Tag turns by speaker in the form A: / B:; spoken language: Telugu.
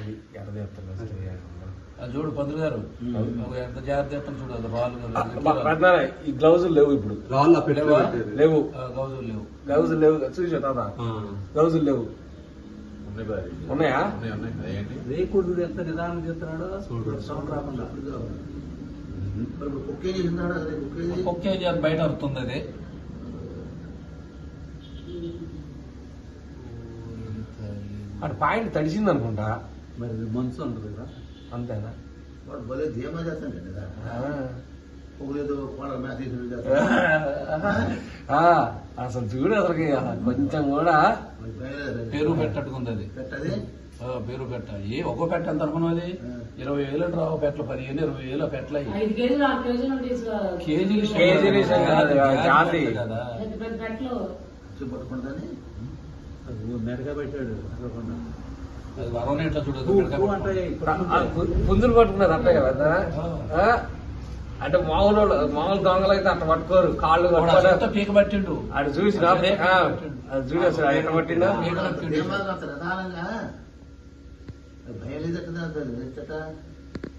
A: అది ఎర్ర చేస్తాను
B: చూడు పంతులు గారు ఎంత జాగ్రత్త చూడు అది రాళ్ళు
A: ఈ గ్లౌజులు లేవు ఇప్పుడు లేవు గ్లౌజులు లేవు చూసా తాత గ్లౌజులు లేవు ఉన్నాయా
B: రేకుడు ఎంత నిదానం చేస్తున్నాడో సౌండ్ రాకుండా కుక్కేజీ అది బయట అరుతుంది అది
A: అటు పాయింట్ తడిసింది అనుకుంటా
B: మరి మనసు ఉంటుంది కదా
A: అంతేనా
C: భలే ధీమా చేస్తాను
A: అసలు చూడు అసలుకి కొంచెం కూడా
B: పేరు పెట్టట్టుకుంది అది పేరు పెట్ట ఒక్కో పెట్ట ఎంత అనుకున్నది 20,000 రావు పెట్టలు 15,000 20,000 పెట్టలు మెరగా పెట్టాడు అది వరం ఎట్లా చూడదు
A: పుంజులు పట్టుకున్నారు అంతే కదా అంటే మామూలు దొంగలు అయితే అట్ట పట్టుకోరు కాళ్ళు
B: పీక పట్టిండు
A: అటు చూసి అది చూడు అసలు ఎట్ట పట్టిందో
C: భయం లేదట